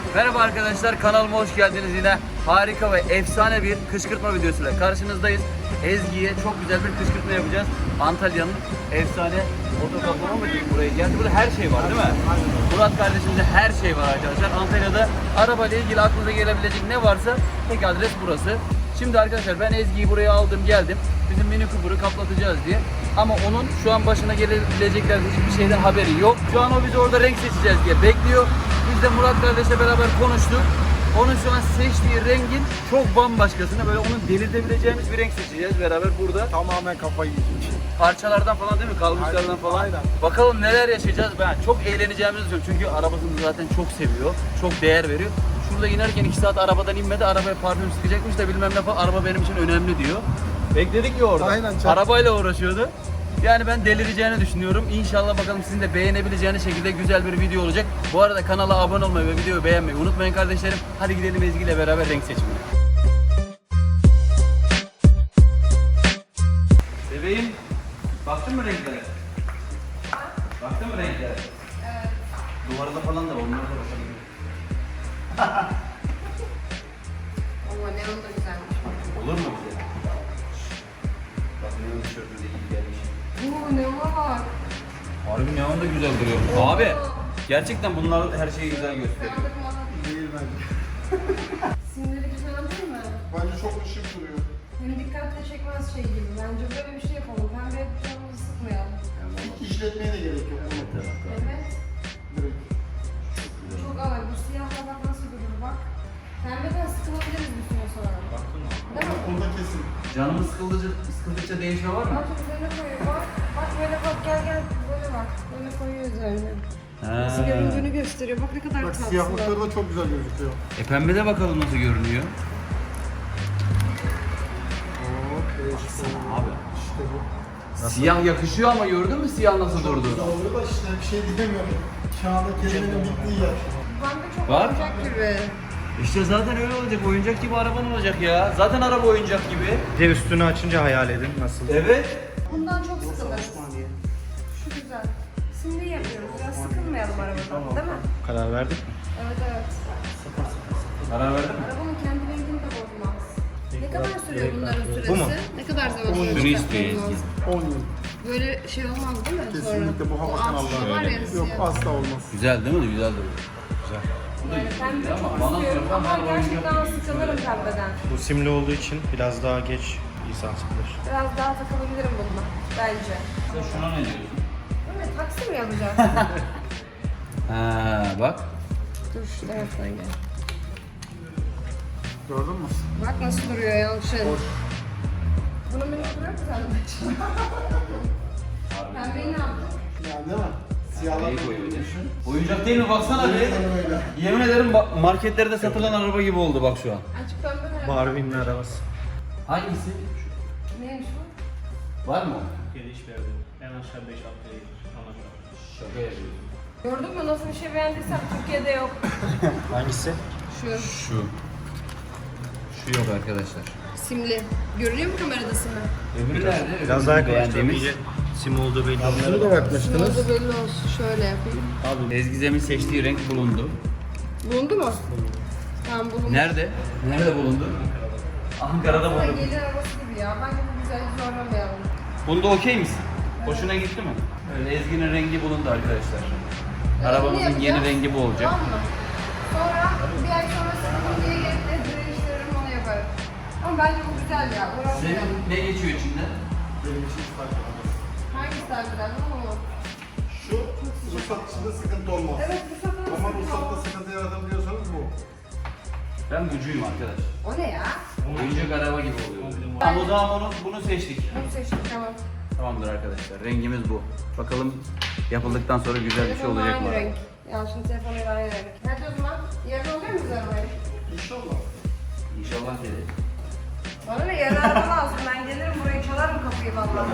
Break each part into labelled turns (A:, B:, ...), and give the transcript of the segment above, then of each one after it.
A: Merhaba arkadaşlar, kanalıma hoş geldiniz. Yine harika ve efsane bir kışkırtma videosuyla karşınızdayız. Ezgi'ye çok güzel bir kışkırtma yapacağız. Antalya'nın efsane otokaplama mı diyeyim buraya geldi. Burada her şey var değil mi? Murat kardeşimde her şey var arkadaşlar. Antalya'da arabayla ilgili aklınıza gelebilecek ne varsa tek adres burası. Şimdi arkadaşlar ben Ezgi'yi buraya aldım geldim. Bizim Mini Cooper'ı kaplatacağız diye. Ama onun şu an başına gelebilecekler hiçbir şeyden haberi yok. Şu an o bizi orada renk seçeceğiz diye bekliyor. Biz de Murat kardeşle beraber konuştuk. Onun şu an seçtiği rengin çok bambaşkasını, böyle onun delirtebileceğimiz bir renk seçeceğiz beraber burada.
B: Tamamen kafayı yiyecek.
A: Parçalardan falan değil mi? Kalmışlardan falan.
B: Aynen.
A: Bakalım neler yaşayacağız. Ben çok eğleneceğimizi düşünüyorum. Çünkü arabasını zaten çok seviyor. Çok değer veriyor. Şurada inerken 2 saat arabadan inmedi. Arabaya parfüm sıkacakmış da bilmem ne falan. Araba benim için önemli diyor. Bekledik ya orada.
B: Aynen, çok.
A: Arabayla uğraşıyordu. Yani ben delireceğini düşünüyorum. İnşallah bakalım sizin de beğenebileceğiniz şekilde güzel bir video olacak. Bu arada kanala abone olmayı ve videoyu beğenmeyi unutmayın kardeşlerim. Hadi gidelim Ezgi ile beraber renk seçimine. Bebeğim, baktın mı renklere? Baktın mı renklere? Evet. Duvarda falan da var, onlara da bakalım.
C: Ama neon da güzelmiş.
A: Olur mu bize? Bak neon tişörtümüze iyi gelmiş.
C: Oo neon var.
A: Harbi neon da güzel duruyor. Abi, gerçekten bunlar her şeyi güzel gösteriyor.
C: Sandık falan.
B: Değil bence.
C: Simleri güzel değil mi?
B: Bence çok ışık duruyor.
C: Hem dikkatle çekmez şey gibi. Bence böyle bir şey yapalım. Pembe canımızı sıkmayalım.
B: Hiç işletmeye de gerek yok.
C: Evet.
B: Direkt.
C: Çok ağır. Bu siyahla bak nasıl durur bak. Pembeden sıkılabiliriz bir süre sonra. Değil mi?
B: Onda kesin.
A: Canımız sıkıldıkça değişme var mı?
C: Bak üzerine koyuyor bak. Bak böyle bak gel böyle bak. Böyle koyuyor üzerine. Nasıl göründüğünü gösteriyor. Bak ne kadar
B: Bak
C: tatlı.
B: siyahlıkları da çok güzel gözüküyor.
A: Pembede bakalım nasıl görünüyor. Abi.
B: İşte bu.
A: Siyah yakışıyor ama gördün mü siyah nasıl durdu?
B: Güzel oluyor da işte bir şey diyemiyorum. Kağıda kelimenin bittiği yer.
C: Bende çok
A: Bak.
C: oyuncak gibi.
A: İşte zaten öyle olacak. Oyuncak gibi araban olacak ya. Zaten araba oyuncak gibi.
D: Bir de üstünü açınca hayal edin nasıl.
A: Evet.
C: Bundan çok sıkılırız. Şu güzel. Şimdi yapıyoruz. Biraz sıkılmayalım arabadan, değil mi?
D: Karar verdik mi?
C: Evet.
A: Karar verdin mi?
C: Arabanın kendi rengini de bozmaz. Ne kadar sürüyor bunların süresi?
D: Bu mu?
C: Ne kadar zaman sonra
A: Şunu istiyor
C: çıkartmamız
A: Ezgi.
C: lazım?
B: 10 yıl.
C: Böyle şey olmaz değil mi?
B: Kesinlikle bu hava kanalları.
C: Var ya
B: Yok
C: siyah.
B: asla olmaz.
A: Güzel değil mi? Güzel duruyor.
C: Yani pembe çok
A: Bana
C: istiyorum
A: sorarsan
C: ama
A: ben
C: gerçekten
A: oyuncak gibi
C: sıkılırım pembeden.
D: Bu simli olduğu için biraz daha geç insan sıkılır.
C: Biraz daha takılabilirim bununla bence.
A: Sen şuna ne diyorsun?
C: Değil mi? Taksi mi yapacağız?
A: Ha bak.
C: Dur şu taraftan gel.
B: Gördün mü?
C: Bak nasıl duruyor Yalçın. Bunu mini bırak sen de. Pembeyi ne yaptın?
B: Yani değil mi? Siyahlar
A: Neyi koyuyorsun? Oyuncak değil mi? Baksana bir.
B: Aynen öyle.
A: Yemin ederim marketlerde satılan araba gibi oldu bak şu an.
C: Açık pembe nerede?
D: Barbie'nin arabası.
A: Hangisi?
C: Neymiş bu?
A: Var mı?
D: Geliş verdi. En aşağı 5 haftaya gelir.
A: Şaka yapıyorum.
C: Gördün mü nasıl bir şey beğendiysem Türkiye'de yok.
D: Hangisi?
C: Şu
A: Şu. Şu yok arkadaşlar.
C: simli. Görünüyor mu kamerada simli?
A: Öbürü nerede?
D: Biraz daha
A: beğendiğimiz.
D: yaklaştırmayınca sim olduğu belli
B: Şunu
D: oluyor.
B: da
C: Şunu
B: bakmıştınız.
C: da belli olsun. Şöyle yapayım.
A: Abi Ezgi'nin seçtiği renk bulundu.
C: Bulundu mu? Tamam bulundu.
A: Nerede? Nerede bulundu? Ankara'da
C: Sen
A: bulundu.
C: gelin arabası gibi ya. Bence bu güzel zorlamayalım.
A: Bunda okey misin? Hoşuna gitti mi? Öyle Ezgi'nin rengi bulundu arkadaşlar. Arabamızın
C: Bunu
A: yeni
C: yapacağız.
A: rengi bu olacak.
C: Tamam mı? Sonra bir ay sonra sıkıntı diye gelip de değiştiririm onu yaparım. Ama bence bu güzel ya. Uğraşmayalım.
A: Senin ne geçiyor içinden?
B: Benim için fark etmez.
C: Hangisi daha güzel ama?
B: Şu ruhsat içinde sıkıntı olmaz.
C: Evet bu sefer
B: Ama ruhsatta sıkıntı yaratabiliyorsanız bu.
A: Ben gücüyüm arkadaş.
C: O ne ya?
A: Oyuncak araba gibi oluyor. Tamam o zaman bunu seçtik.
C: Bunu seçtik tamam.
A: Tamamdır arkadaşlar. Rengimiz bu. Bakalım yapıldıktan sonra güzel bir şey
C: Telefonla
A: olacak mı?
C: aynı renk. Yalçın telefonuyla aynı renk. Hadi o zaman yarın oluyor mu arabayı?
B: İnşallah.
A: İnşallah gelir.
C: Bana ne yarın araba lazım. Ben gelirim buraya çalarım kapıyı vallahi.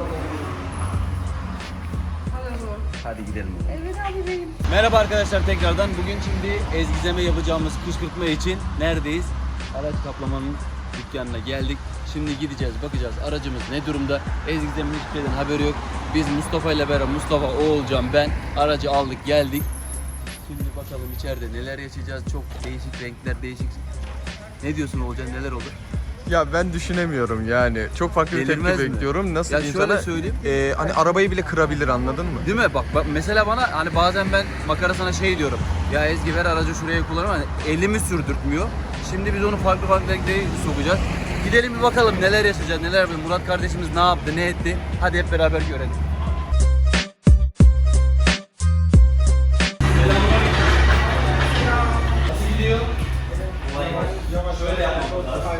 C: Hadi o zaman.
A: Hadi gidelim.
C: Evet abi benim.
A: Merhaba arkadaşlar tekrardan. Bugün şimdi Ezgi'zeme yapacağımız kışkırtma için neredeyiz? Araç kaplamanın dükkanına geldik. Şimdi gideceğiz, bakacağız aracımız ne durumda. Ezgi'zemin hiçbir şeyden haberi yok. Biz Mustafa ile beraber, Mustafa, Oğulcan, ben aracı aldık geldik. Şimdi bakalım içeride neler yaşayacağız. Çok değişik renkler, değişik. Ne diyorsun Olcan, neler olur?
E: Ya ben düşünemiyorum yani. Çok farklı bir
A: Delirmez
E: tepki
A: mi?
E: bekliyorum. Nasıl
A: Ya
E: diyeyim
A: şöyle
E: sana?
A: söyleyeyim.
E: Hani arabayı bile kırabilir, anladın mı?
A: Değil mi? Bak mesela bana hani bazen ben makara sana şey diyorum. Ya Ezgi ver aracı şuraya kullanır ama elimi sürdürtmüyor. Şimdi biz onu farklı renklere sokacağız. Gidelim bir bakalım neler yaşayacağız, neler yapacağız. Murat kardeşimiz ne yaptı, ne etti? Hadi hep beraber görelim. Nasıl gidiyor? Şöyle yapalım.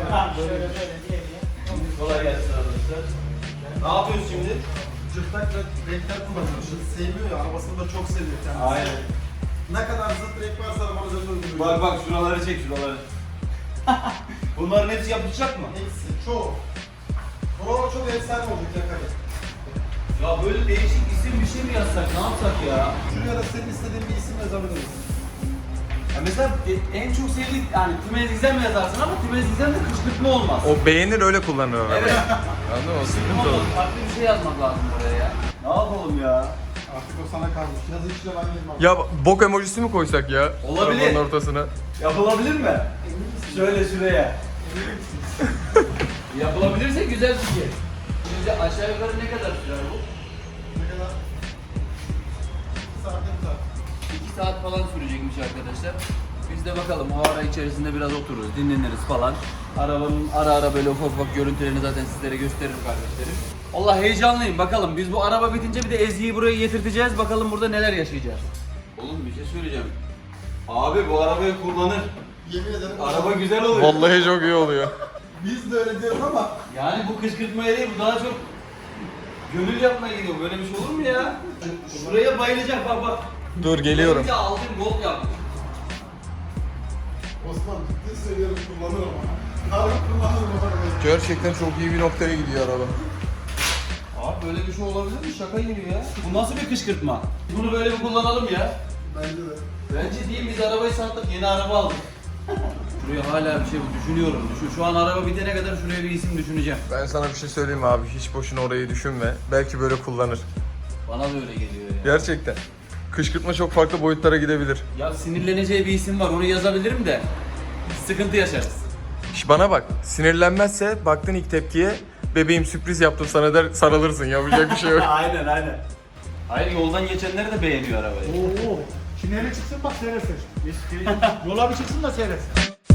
A: Kolay gelsin arkadaşlar. Ne yapıyoruz şimdi?
B: Cırtlak renkler kullanıyoruz. Sevmiyor ya, arabasını da çok seviyor kendisi.
A: Aynen.
B: Ne kadar zıt renk varsa arabanın üzerinde uyguluyor.
A: Bak şuraları çek şuraları. Bunların hepsi yapılacak mı?
B: Hepsi, çoğu. Buralar çok efsane olacak yakada.
A: Ya böyle değişik isim bir şey mi yazsak, ne yapsak ya?
B: Şuraya da senin istediğin bir isim yazabiliriz.
A: Ya mesela en çok sevdiğin, yani Tümez İzlem mi yazarsın ama Tümez İzlem de kışkırtma olmaz.
E: O beğenir, öyle kullanır arabayı.
A: Evet.
E: Anladın mı? O
A: Kışkırtma
E: sıkıntı olur.
A: olmaz. Farklı bir şey yazmak lazım oraya ya. Ne yapalım ya?
B: Artık o sana kalmış. Yazı içine ben girmem.
E: Ya bok emojisi mi koysak ya?
A: Olabilir.
E: Arabanın ortasına.
A: Yapılabilir mi? Şöyle şuraya. Yapılabilirse güzel fikir. Şimdi aşağı yukarı ne kadar sürer bu?
B: Ne kadar? Saat ne kadar?
A: 2 saat falan sürecekmiş arkadaşlar. Biz de bakalım o ara içerisinde biraz otururuz, dinleniriz falan. Arabanın ara böyle ufak görüntülerini zaten sizlere gösteririm kardeşlerim. Allah heyecanlıyım, bakalım biz bu araba bitince bir de Ezgi'yi buraya getirteceğiz, bakalım burada neler yaşayacağız. Oğlum bir şey söyleyeceğim. Abi bu arabayı kullanır.
B: Yemin ederim.
A: Araba güzel oluyor.
E: Vallahi çok iyi oluyor.
B: Biz de öyle diyoruz ama
A: Yani bu kışkırtmaya değil, bu daha çok gönül yapmaya gidiyor. Böyle bir şey olur mu ya? Şuraya bayılacak bak.
E: Dur geliyorum.
A: Benimki altın gold yaptı.
B: Osman ciddi söylüyorum kullanır ama. Harbi kullanır bu arabayı.
E: Gerçekten çok iyi bir noktaya gidiyor araba.
A: Abi böyle bir şey olabilir mi? Şaka gibi ya. Bu nasıl bir kışkırtma? Bunu böyle bir kullanalım ya.
B: Bence de.
A: Bence değil, biz arabayı sattık, yeni araba aldık. Şuraya hala bir şey düşünüyorum. Şu an araba bitene kadar şuraya bir isim düşüneceğim.
E: Ben sana bir şey söyleyeyim mi abi? Hiç boşuna orayı düşünme. Belki böyle kullanır.
A: Bana da öyle geliyor ya.
E: Gerçekten. Kışkırtma çok farklı boyutlara gidebilir.
A: Ya sinirleneceği bir isim var, onu yazabilirim de sıkıntı yaşarız.
E: İş bana bak. Sinirlenmezse baktın ilk tepkiye, bebeğim sürpriz yaptım sana der, sarılırsın. Yapacak bir şey yok.
A: Aynen. Hayır, yoldan geçenler de beğeniyor arabayı.
F: Oo. Şimdi hele çıksın bak seyretsin. Yola bir çıksın da seyretsin.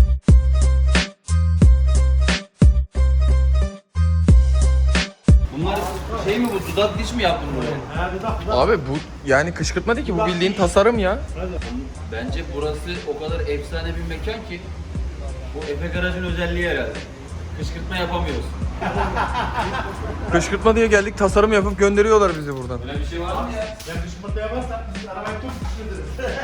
A: Bunlar şey mi, bu dudak diş mi yaptın buraya?
F: Ha dudak.
E: Abi bu yani kışkırtma değil ki, bu bildiğin tasarım ya.
A: Bence burası o kadar efsane bir mekan ki bu Efe Garaj'ın özelliği herhalde. Kışkırtma yapamıyoruz.
E: Kışkırtma diye geldik, tasarım yapıp gönderiyorlar bizi buradan.
A: Böyle bir şey var mı ya?
F: Ya kışkırtma yaparsan biz arabayı çok kışkırtırız.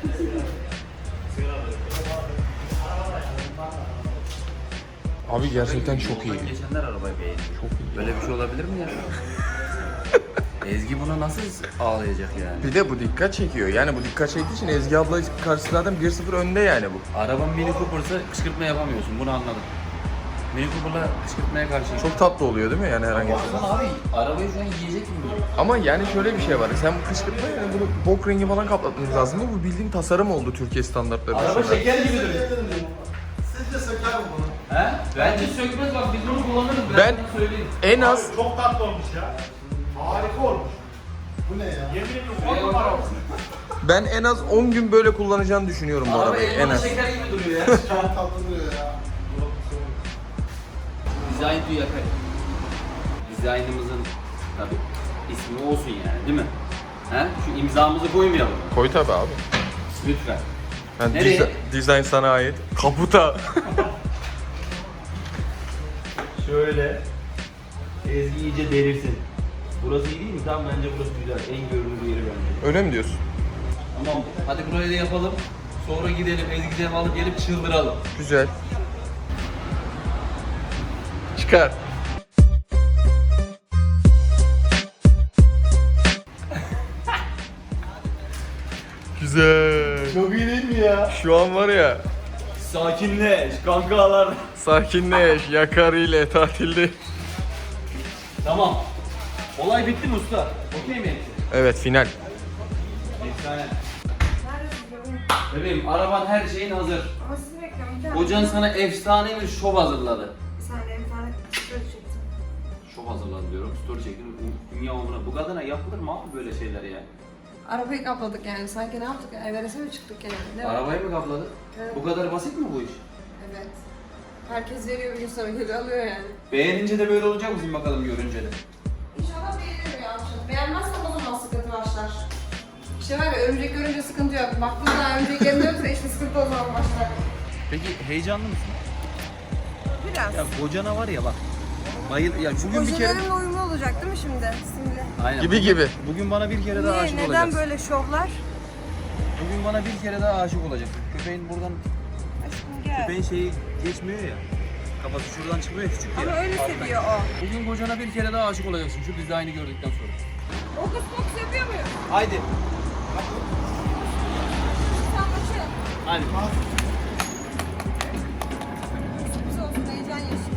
E: Abi gerçekten çok iyi.
A: Geçenler arabayı beğendi.
E: Çok iyi.
A: Böyle bir şey olabilir mi ya? Ezgi buna nasıl ağlayacak yani?
E: Bir de bu dikkat çekiyor. Yani bu dikkat çektiği için Ezgi abla karşı zaten 1-0 önde yani bu.
A: Araban Mini Cooper'sa kışkırtma yapamıyorsun, bunu anladım. Mini Cooper'la kışkırtmaya karşı.
E: Çok tatlı oluyor değil mi yani herhangi bir şey?
A: Baksana abi, arabayı şu an yiyecek gibi duruyor.
E: Ama yani şöyle bir şey var. Sen bu kışkırtma yani bunu bok rengi falan kaplatmamız lazım ama bu bildiğin tasarım oldu Türkiye standartları
A: Araba
E: dışında.
A: şeker gibi duruyor.
B: Sizce söker mi bunu?
A: He? Bence sökmez, bak biz bunu kullanırız.
E: Ben-
A: sana söyleyeyim.
E: En az
F: Çok tatlı olmuş ya. Harika olmuş.
B: Bu ne ya?
F: Yemin ediyorum 10 numara olmuş.
E: ben en az 10 gün böyle kullanacağını düşünüyorum bu
A: Araba
E: arabayı en
A: elmalı
E: az.
A: şeker gibi duruyor ya.
B: Çok tatlı duruyor ya.
A: Design to yakar. Dizaynımızın tabi ismi olsun yani, değil mi? He? Şu imzamızı koymayalım.
E: Koy tabi abi.
A: Lütfen.
E: Yani
A: Nereye?
E: dizayn sana ait. Kaputa.
A: Şöyle. Ezgi iyice delirsin. Burası iyi değil mi? Tamam, bence burası güzel. En görünür yeri bence.
E: Öyle mi diyorsun?
A: Tamam. Hadi burayı da yapalım. Sonra gidelim Ezgi'den alıp gelip çıldıralım.
E: Güzel. Çıkar. Güzel.
F: Çok iyi değil mi ya?
E: Şu an var ya,
A: Sakinleş kankalar.
E: sakinleş, yakar ile tatilde.
A: Tamam. Olay bitti mi usta? Okey mi hepsi?
E: Evet, final.
A: Efsane.
C: Neredesiniz?
A: Bebeğim araban her şeyin hazır.
C: Ama sizi bekliyorum. Bir tane.
A: Kocan sana efsane bir şov hazırladı.
C: Bir saniye bir tane story çektim.
A: Şov hazırladı diyorum. Story çektim. Dünya umuruna. Bu kadına yapılır mı abi böyle şeyler ya?
C: Arabayı kapladık yani. Sanki ne yaptık? Everest'e mi çıktık gene? Değil mi?
A: Arabayı mı kapladı?
C: Evet.
A: Bu kadar basit mi bu iş?
C: Evet. Herkes veriyor bir gün sonra geliyor alıyor yani.
A: Beğenince de böyle olacak mısın bakalım görünce de?
C: İnşallah beğenir ya. Beğenmezsem o zaman sıkıntı başlar. İşte var ya örümcek görünce sıkıntı yok. Baktığında örümcek yerinde yoksa işte sıkıntı o zaman başlar.
A: Peki heyecanlı mısın?
C: Biraz.
A: Ya kocana var ya bak. Bayıl ya bugün bir kere
C: Kocalarımla uyumlu olacak değil mi şimdi? Simli.
A: aynen.
E: Gibi.
A: Bugün bana bir kere daha
C: Niye?
A: aşık
C: Neden
A: olacaksın.
C: böyle şovlar?
A: Bugün bana bir kere daha aşık olacaksın. Köpeğin buradan
C: Aşkım gel.
A: köpeğin şeyi geçmiyor ya. Kafası şuradan çıkmıyor küçük ya.
C: Ama öyle seviyor o.
A: Bugün kocana bir kere daha aşık olacaksın şu dizaynı gördükten sonra.
C: Okus pokus yapıyor muyum?
A: Haydi.
C: Sen kaçın.
A: Hadi.
C: Sürpriz olsun heyecan yaşayın.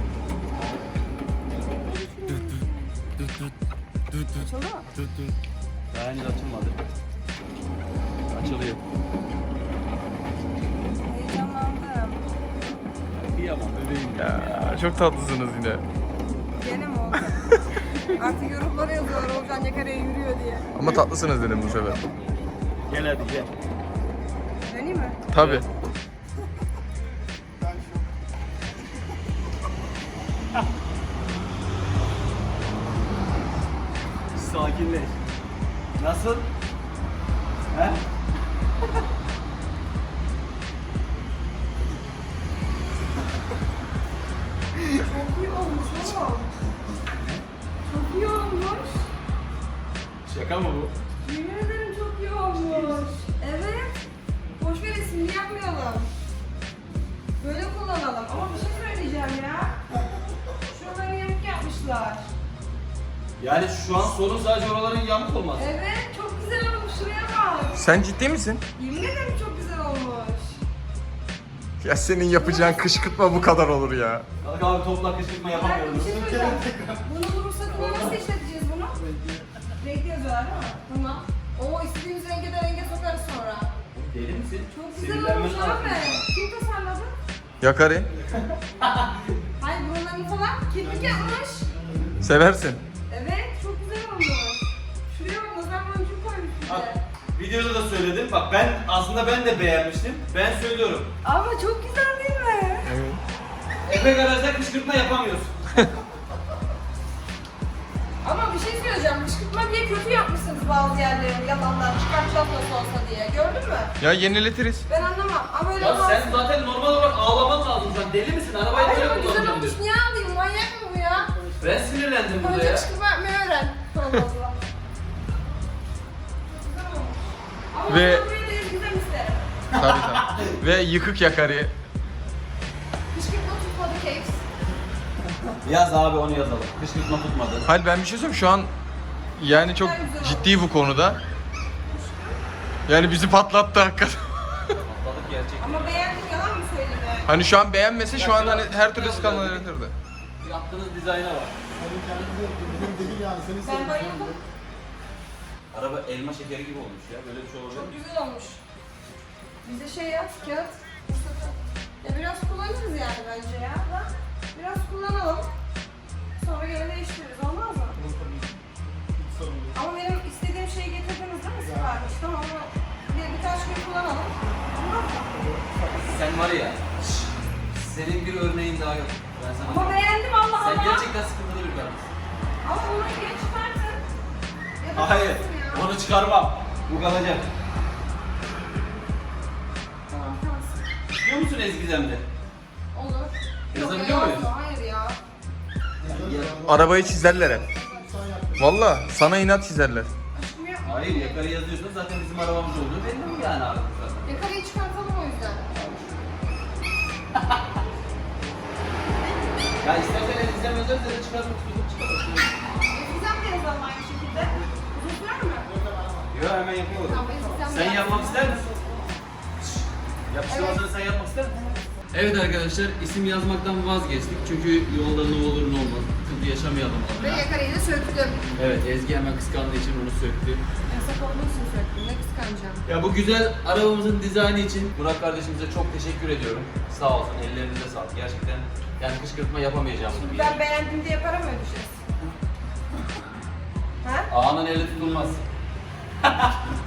C: Açıldı mı?
A: Daha henüz açılmadı. Açılıyor.
C: Heyecanlandım.
A: Kıyamam bebeğim
E: Ya çok tatlısınız yine.
C: Gene mi oldu? Artık yorumlara yazıyorlar Olcan Yakara'ya yürüyor diye.
E: Ama tatlısınız dedim bu sefer.
A: Gel hadi gel.
C: Deneyim mi?
E: Tabii.
A: Sakinleş. Nasıl? He?
C: Çok iyi olmuş oğlum. Çok iyi olmuş.
A: Şaka mı bu?
C: Yemin ederim çok iyi olmuş. Evet. Boş ver isimli yapmayalım. Böyle kullanalım. Ama bir şey söyleyeceğim ya. Şuraları yamuk yapmışlar.
A: Yani şu an sorun sadece oraların yamuk olması.
C: Evet, çok güzel olmuş. Şuraya bak.
E: Sen ciddi misin?
C: Yemin ederim çok güzel olmuş.
E: Ya senin yapacağın kışkırtma bu kadar olur ya.
A: Bak abi topla kışkırtma
C: Bir
A: yapamıyoruz.
C: şey söyleyeceğim. Bunu ruhsatını nasıl işleteceğiz bunu? Renkli yazıyorlar değil mi? Tamam. Oo istediğimiz renge de renge sokarız sonra.
A: Deli misin?
C: Çok güzel
A: Sinirlenmen
C: olmuş
A: lazım.
C: abi. Kim tasarladı?
E: Yakari.
C: Hayır burunlarını falan kirpik yapmış.
E: Seversin.
C: Evet çok güzel olmuş. Şuraya bak nazar boncuğu koymuş bir
A: Bak,
C: de.
A: videoda da söyledim. Bak ben de beğenmiştim. Ben söylüyorum.
C: Ama çok güzel değil mi?
E: Evet.
A: Efe garajda kışkırtma yapamıyorsun.
C: Ama bir şey söyleyeceğim. Kışkırtma diye kötü yapmışsınız bazı yerlerini yalandan çıkartacağız nasıl olsa diye. Gördün mü?
E: Ya yeniletiriz.
C: Ben anlamam. Ama öyle
A: Ya
C: olmaz.
A: sen zaten normal olarak ağlaman lazım. Sen deli misin? Arabayı
C: Ay
A: böyle
C: ama güzel
A: kullanacağım
C: olmuş.
A: diyor.
C: Niye ağlayayım? Manyak mı bu ya?
A: Ben sinirlendim burada
C: Önce
A: ya.
C: kışkırtma yapmayı öğren. Allah Allah. Güzel olmuş. Ama
E: Ve-
C: ben buraya da ezgiden isterim.
E: Tabii. Ve yıkık yakari.
C: Kışkırtma tutmadı keyif.
A: Yaz abi onu yazalım. Kışkırtma tutmadı.
E: Hayır ben bir şey söyleyeyim şu an yani çok ciddi bu konuda. Yani bizi patlattı hakikaten.
A: Patladık gerçekten.
C: Ama beğendim yalan mı söyleyeyim yani?
E: Hani şu an beğenmese şu an hani her türlü skandallanırdı.
A: Yaptığınız dizayna bak.
B: Senin kendini benim değil yani. Seni
C: Ben
B: seviyorum.
C: bayıldım.
A: Araba elma şekeri gibi olmuş ya. Böyle bir şey olacak.
C: Çok güzel olmuş. Bize şey yap, kağıt. fırsatı. Ya biraz kullanırız yani bence ya. Ha? Biraz kullanalım. Sonra gene değiştiririz. Olmaz mı?
B: Hiç sorun değil.
C: Ama benim istediğim şeyi getirdiniz değil mi sipariş? Tamam ama birkaç gün kullanalım. Olmaz mı?
A: Sen var ya. Senin bir örneğin daha yok. Ben sana
C: Ama beğendim Allah
A: Sen
C: Allah.
A: gerçekten sıkıntılı bir kadınsın.
C: Ama bunu geç çıkartın.
A: Hayır.
C: Ya.
A: Onu çıkarmam. Bu kalacak.
C: Tamam tamam.
A: Biliyor musun Ezgizem'de?
C: Olur.
A: Yazabiliyor
C: Yok,
A: muyuz?
C: Hayır ya.
E: Arabayı çizerler hep. Valla sana inat çizerler.
C: Aşkım yapma.
A: Hayır yakarı yazıyorsun zaten bizim arabamız olduğu belli mi yani abi?
C: Yakarayı çıkartalım o yüzden.
A: Ya istersen Ezgizem özelse de çıkarmak istiyorsun çıkarmak.
C: Güzel de yazalım aynı şekilde. Uzun sürer mi?
A: Yok hemen yapıyorum.
C: Tamam, Ezgizem
A: Sen
C: de
A: yapmak
C: yazsın.
A: ister misin? Yapıştırmasını sen yapmak ister misin? Evet arkadaşlar isim yazmaktan vazgeçtik çünkü yolda ne olur ne olmaz sıkıntı yaşamayalım
C: Ve
A: adına.
C: yakarayı da söktüm.
A: Evet Ezgi hemen kıskandığı için onu söktü.
C: Yasak Korkmak için söktüm. Ne kıskanacağım.
A: Ya bu güzel arabamızın dizaynı için Burak kardeşimize çok teşekkür ediyorum. Sağ olsun, ellerinize sağlık. Gerçekten yani kışkırtma yapamayacağım gibi.
C: Ben beğendim diye para mı ödeyeceğiz? Ha?
A: Ağanın eli tutulmaz.